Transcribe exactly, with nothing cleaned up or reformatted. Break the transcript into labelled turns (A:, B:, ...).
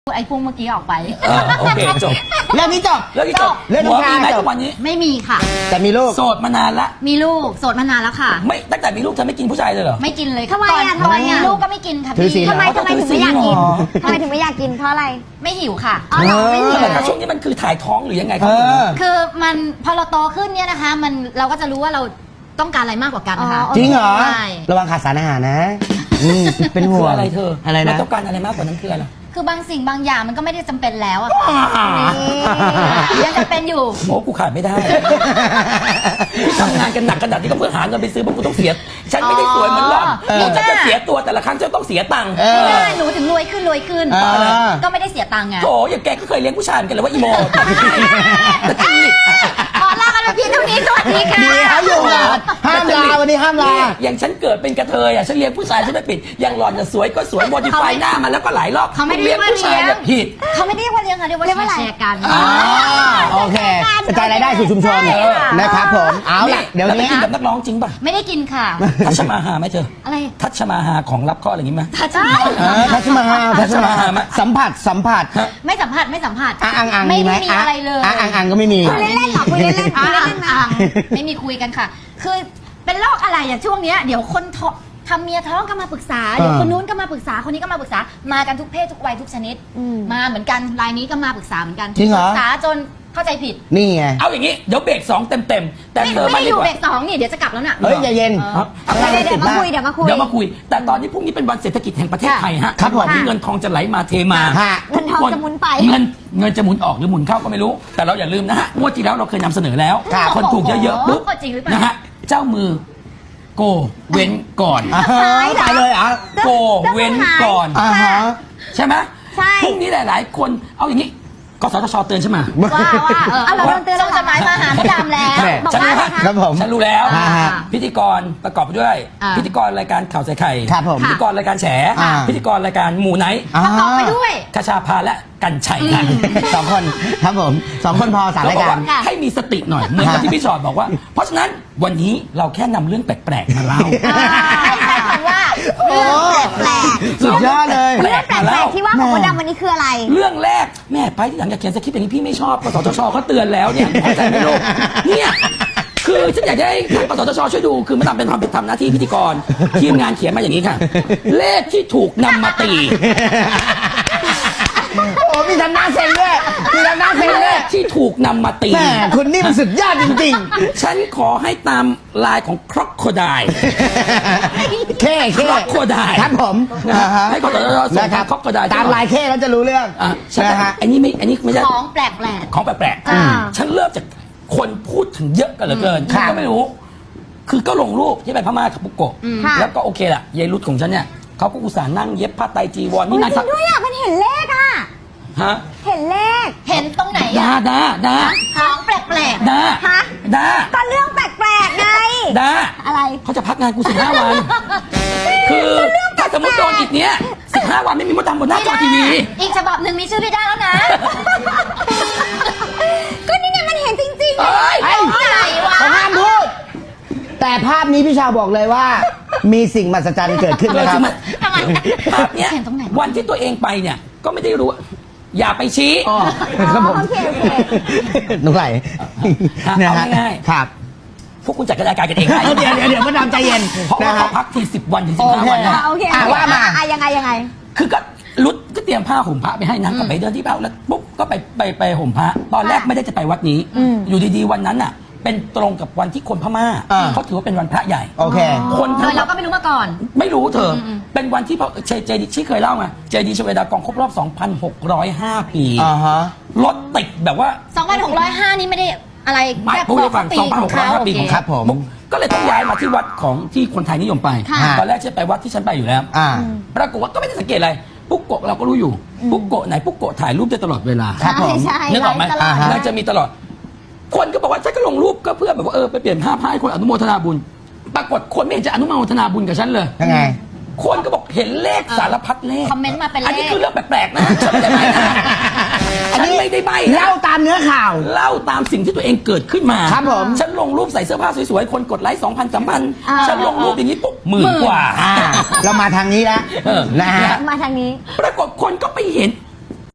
A: ไอ้พุ่งเมื่อกี้ออกไป
B: เออโอเคจบ
C: เรื่องนี้จบ
B: เรื่องนี้จบ
C: เรื่อง
B: หัว
C: น้ำ
B: มี
C: ชา
B: ไหม
C: จ
B: ทุ
C: บ
B: กวันนี้
A: ไม่มีค่ะ
C: แต่มีลูก
B: โสดมานานละ
A: มีลูกโสดมานานแล้วค่ะ
B: ไม่ตั้งแต่มีลูกเธอไม่กินผู้ชายเลยเหรอ
A: ไม่กินเลย
D: ทำไมอ่ะ
A: ตอน
D: ทำไมอ่ะ
A: มีลูกก็ไม่กินค่ะ
C: ถือศี
A: พี่
C: ล
D: ทำไมทำไมถึงไม่อยากกินทำไมถึงไม่อยากกินเพราะอะไร
A: ไม่หิวค่ะ
D: อ๋อเหรอไม่หิว
B: แต่ช่วงนี้มันคือถ่ายท้องหรือยังไงค
C: เอ
B: รับ
C: อ
A: คือมันพอเราโตขึ้นเนี่ยนะคะ มันเราก็จะรู้ว่าเราต้องการอะไรมากกว่ากันค่ะ
C: จริงเหรอ
A: ใช่
C: ระวังขาดสารอาหารนะอืมเป็นห่
B: คือ
C: วง
B: อะไรเธอ
C: อะไร
B: เรา
C: นะ
B: ต้องการอะไรมากกว่านั้นคืออะไร
A: คือบางสิ่งบางอย่างมันก็ไม่ได้จำเป็นแล้วอะค่ะยังจะเป็นอยู่
B: โอ้กูขาดไม่ได้ที่ทำงานกันหนักขนาดนี้ก็เพื่อหาเงินไปซื้อเพราะกูต้องเสียฉันไม่ได้สวยเหมือนหล่อน
A: เออ
B: นี่ฉันจะเสียตัวแต่ละครั้งจะต้องเสียตังค์
C: เออ
A: ไม่ได้หนูถึงรวยขึ้นรวยขึ้น
C: เออ
A: ก็ไม่ได้เสียตังค์ไง
B: โถอย่างแกก็เคยเลี้ยงผู้ชายเหมือนกันเลยว่าอีโมแต่จริต
A: ขอลากันไปเพียงเท่านี้สวัสดีค่ะ
C: ดีเขาอยู่ก่อนห้ามลาวันนี้ห้ามลา
B: เนี่ยอย่างฉันเกิดเป็นกระเทยอ่ะฉันเลี้ยงผู้ชายฉันไม่ผิดอย่างหล่อนจะสวยก็สวยโมดิฟายหน้ามาแล้วก็หลายรอบ
A: เขาไม่ได้
B: เลี้ยงผู้ชายเนี่ยผิด
A: เขาไม่ได้เรียกว่าเลี้ยงค่ะเรียกว่า
D: เรียกว่าอะไร
A: แชร์กัน
C: อ่าโอเคกระจายรายได้สู่ชุมชน
B: เออ
C: นะครับผมเอาล่ะเดี๋ยว
B: แล้วไป
C: นี้
B: กินกับนักร้องจริงป่ะ
A: ไม่ได้กินค่ะ
B: ทัชมาหาไหมเธอ
A: อะไร
B: ทัชมาหาของรับข้ออะไรอย่างงี้ไหม
A: ทัชมา
C: เออทัชมาฮาทัชมาฮาสัมผัสสัมผัส
A: ไม่สัมผัสไม่สัมผัส
C: อ่ะอังอัง
A: ไม่
C: มีไหม
A: ได้มีอะไรเลย
C: อ่ะอังอังก็ไม่มี
D: คุยเล่นๆเหรอคุยเล่นๆคุยเล่นๆนะ
A: อ่ะไม่มีคุยกันค่ะ คือเป็นโรคอะไรอ่ะช่วงเนี้ยเดี๋ยวคนท้องทำเมียท้องก็มาปรึกษาเดี๋ยวคนนู้นก็มาปรึกษาคนนี้ก็มาปรึกษามากันทุกเพศทุกวัยทุกชนิด
D: อืม
A: มาเหมือนกันรายนี้ก็มาปรึกษาเหมือนกัน
C: จริงเหรอ
A: ปรึกษาจนเข้าใจผิด
C: นี่ไง
B: เอาอย่างงี้เดี๋ยวเบรกสองเต็มเต็มๆแต่
A: ไม่
B: เธอ
A: ไม่
B: มา
A: ได้
B: ดี
A: อยู่
B: กว่า
A: เบรกสองนี่เดี๋ยวจะกลับแล้วน่ะ
C: เฮ้ยอย่าเย็น
B: ฮะเอา
D: เดี๋ยวเดี๋ยวมาคุยเดี๋ยวมาคุย
B: เดี๋ยวมาคุย แต่ตอนนี้พรุ่งนี้เป็นวันเศรษฐกิจแห่งประเทศไทยฮะ
C: ครับผม
B: วันที่เงินทองจะไหลมาเทมา
C: ฮะ
D: เงินทองจะหมุนไป
B: เงินเงินจะหมุนออกหรือหมุนเข้าก็ไม่รู้ แต่เราอย่าลืมนะฮะงวดที่แล้วเราเคยนำเสนอแล้ว
C: ครับ
B: คนถูกเยอะๆปุ๊บ
A: จริงหรือเปล่า
B: นะฮะเจ้ามือโกเว้นก่อน
C: อ่าฮะตายเลยเหรอ่ะ
B: โกเว้นก่อน
C: อ่าฮะ
B: ใช่ไหม
D: ใช่
B: พรุ่งนี้หลาย ๆ คนเอาอย่างนี้กสทชเตือนใช่ไหม
A: ว่าว่าเออ
D: เอาเราโดนเตือนแล้ว
A: ส่งจดหมายมาหาพี่ดำแล้ว
C: แม่
D: บอก
B: ฉัน
D: ว่า
B: รู้
D: อะไร
B: ฮะ
D: คะ
C: ครับผม
B: ฉันรู้แล้ว
C: อ่าฮะ
B: พิธีกรประกอบไปด้วย
A: อ่า
B: พิธีกรรายการข่าวใส่ไข่
C: ครับผม
B: พิธีกรรายการแฉ
C: อ่า
B: พิธีกรรายการหมู่ไนท์
C: อ่า
A: ประกอบไปด้วย
B: คชาพาและกันชัยค่ะ
C: สองคนครับผมสองคนพอสาม
B: เรา
C: ราย
B: บอก
C: การ
B: ว่าให้มีสติหน่อยเหมือนกับที่พี่ชอดบอกว่า เพราะฉะนั้นวันนี้เราแค่นำเรื่องแปลกๆมาเล่า
A: ให้ใช้คำว่า
C: โอ้
D: แปลก
C: สุดยอดเลย
D: ๆเรื่องแปลกๆที่ว่าของมดดำวันนี้คืออะไร
B: เรื่องแรกแม่ไปที่หลังอยากเขียนสคริปต์อย่างนี้พี่ไม่ชอบกสทชเขาเตือนแล้วเนี่ยเข้าใจไหมลูกเนี่ยคือฉันอยากจะให้ทางกสทชช่วยดูคือมาทำเป็นความผิดทำหน้าที่พิธีกรทีมงานเขียนมาอย่างนี้ค่ะ เลขที่ถูกนำมาตี
C: โอ้มีทำหน้าเซ็งด้วยมีทำหน้าเซ็ง
B: เล
C: ด้วย
B: ขที่ถูกนำมาตี
C: แหมคุณนี่มันสุดยอดจริง
B: ฉันขอให้ตามลายของครอกโคได
C: ๆเค้
B: ค
C: เค้
B: รอกโคได
C: ครับผม
B: นะฮะ
C: อ่าฮะ
B: ให้กสทชส่ง
C: นะค
B: ทา
C: รั
B: ง
C: บ
B: ครอกโคได
C: ตามลายเค้แล้วจะรู้เรื่อง
B: อ่ะฉัน
C: นะฮะ
B: อันนี้ไม่อันนี้ไม่ใช่
A: ของแปลก
B: ของแปลก
D: อ่า
B: ๆฉันเริ่มจากคนพูดถึงเยอะกันเหลือเกิน
C: ครับ
B: ก็ไม่รู้ คือก็ลงรูปที่ไปพม่ากับปุกโกะ
D: ค่ะ
B: แล้วก็โอเคล่ะยายรุดของฉันเนี่ยเขาก็อุตส่าห์นั่งเย็บผ้าไตรจีวร
D: อุ๊
B: นี่
D: ย
B: นาง
D: จริงด้วยอ่ะมันเห็นเลขอ่ะ
B: ฮะ
D: เห็นเลข
A: ๆ เห็นตรงไหน
B: ดา
A: อะ
B: ดาดา
A: ของแปลก
B: ดา
D: ฮะ
B: ดา
D: ก็เรื่องแปลกๆไง
B: ดา
D: อะไร
B: เขาจะพักงานกูสิบห้าวัน คือถ้าสมมติโดนอีกเนี้ยสิบห้าวันไม่มีมดดำบนหน้าจอทีวี
A: อีกฉบับหนึ่งมีชื่อพี่ได้แล้วนะ
D: ก็นี่ไงมันเห็นจริงๆ
B: เอ้ย
C: ไอ้
A: ไหนวะ
C: เขาห้ามพูด แต่ภาพนี้พี่ชาวบอกเลยว่า มีสิ่งมหัศจรรย์เกิดขึ้น
B: เลย
C: นะครับ
B: ที่มัน
A: ทำไม
B: ภาพเนี้ย
A: เห็นตรงไหน
B: วันที่ตัวเองไปเนี่ย ก็ไม่ได้รู้ อย่าไปชี้
C: อ๋อครับผม
D: โอเคโอเค
C: หนูไหล
B: ฮะ
C: นะ
B: เอา
C: ฮะ
B: ง่ายๆ
C: ครับ
B: พวกคุณจัดรายการกันเองได้
C: เดี๋ยวเดี๋ยวเดี๋ยวมาดามใจเย็น
B: เพราะว่า
C: นะ
B: เขา
C: ฮะ
B: พักทีสิบวันถึงสิบ
C: โอ
B: ห้า
C: เค
B: วันนะ
D: อ่ะโอเค
C: อ่ะว่ามา
D: อ่ะยังไงยังไง
B: คือก็รุดก็เตรียมผ้าห่มพระไปให้นางก็ไปเดินที่บ้านแล้วปุ๊บก็ไปไปไปห่มพระตอนแรกไม่ได้จะไปวัดนี้
D: อืม
B: อยู่ดีๆวันนั้นอ่ะ เป็นตรงกับวันที่คนพม่า
C: อ่า
B: เขาถือว่าเป็นวันพระใหญ่
C: โอเค
B: คน
A: โด
B: ทั้ง
A: ยเราก็ไม่รู้มาก่อน
B: ไม่รู้เธออ
A: ม
B: เป็นวันที่พระเจเจดีที่เคยเล่ามาเจดีชเวดากองครบรอบ สองพันหกร้อยห้า ปี
C: อ่าฮะ
B: รถติดแบบว่า
A: สองพันหกร้อยห้า นี่ไม่ได้อะไร
B: ไม่
A: แค่
B: พูดให้ฟัง
A: ปี
B: สองพันหกร้อยห้า
A: โ
B: ปีของ
C: ครับผม
B: ก็เลยต้องย้ายมาที่วัดของที่คนไทยนิยมไป
A: ค่ะ
B: ตอนแรกฉันไปวัดที่ฉันไปอยู่แล้ว
C: อ่า
B: ปรากฏว่าก็ไม่ได้สังเกตอะไร ปุ๊กโกะเราก็รู้อยู่ ปุ๊กโกะไหนปุ๊กโกะถ่ายรูปได้ตลอดเวลา
C: ครับผม
D: ใช่
B: นึกออกไหม
D: ไลฟ์ตลอด
C: อ่าฮะ
B: นางจะมีตลอด คนก็บอกว่าฉันก็ลงรูปก็เพื่อแบบว่าเออไปเปลี่ยนภาพให้คนอนุโมทนาบุญ ปรากฏคนไม่เห็นจะอนุโมทนาบุญกับฉันเลย
C: ยังไง
B: คนก็บอกเห็นเลขสารพัดเลข
A: คอมเมนต์มาเป็นเลข
B: อันนี้คือเรื่องแปลกๆนะฉันไม่ได้ใบ้นะฉันไม่ได้ใบ้นะ
C: เล่าตามเนื้อข่าว
B: เล่าตามสิ่งที่ตัวเองเกิดขึ้นมา
C: ครับผม
B: ฉันลงรูปใส่เสื้อผ้าสวยๆ คนกดไลค์สองพันสามพัน
D: อ่า
B: ฉันลงรูปอย่างนี้ปุ๊บหมื่นกว่า
C: อ่า เรามาทางนี้แล้ว
B: เออ
C: นะฮะ
D: มาทางนี้
B: ปรากฏคนก็ไปเห็น